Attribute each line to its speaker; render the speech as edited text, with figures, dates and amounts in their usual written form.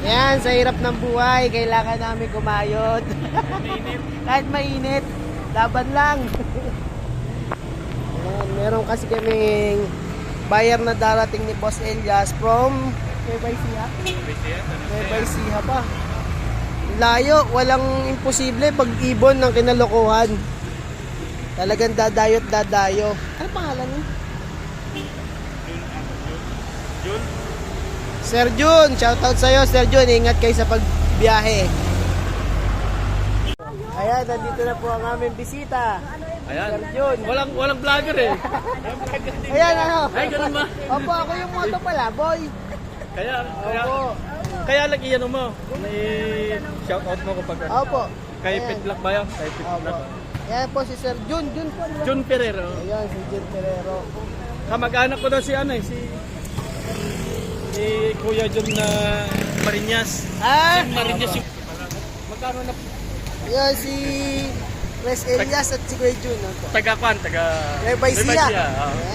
Speaker 1: Yan, sa hirap ng buhay, kailangan namin kumayod. Kahit mainit, laban lang. Yan, meron kasi kaming buyer na darating ni Boss Elias from Nueva Ecija. Nueva Ecija pa. Layo, walang imposible pag-ibon ng kinalokohan. Talagang dadayo't dadayo. Ano pangalan niya?
Speaker 2: Jun?
Speaker 1: Sir Jun, shoutout sa'yo Sir Jun, ingat kayo sa pagbiyahe. Ayan, nandito na po ang aming bisita.
Speaker 2: Ayan.
Speaker 1: Sir Jun.
Speaker 2: Walang vlogger eh.
Speaker 1: Ayan, ano?
Speaker 2: Ay, ganun ba?
Speaker 1: Opo, ako yung moto pala, boy.
Speaker 2: Opo. Kaya lagi yan mo. May shoutout mo kapag
Speaker 1: Opo.
Speaker 2: kay
Speaker 1: Ayan.
Speaker 2: Pitlak ba yan? Kay Pitlak.
Speaker 1: Opo. Ayan po si Sir Jun. Jun po. Ano?
Speaker 2: Jun Ferrero.
Speaker 1: Ayan, si Jun Ferrero.
Speaker 2: Kamag-anak ko daw si ano eh, si Kuya Jun na Marinas.
Speaker 1: Ah!
Speaker 2: Si Marinas yung... Magkano na
Speaker 1: Ayan, si Res Elias at si Kuya Jun. Opo.
Speaker 2: taga-kwan? Taga...
Speaker 1: Nueva Ecija.
Speaker 2: Oo.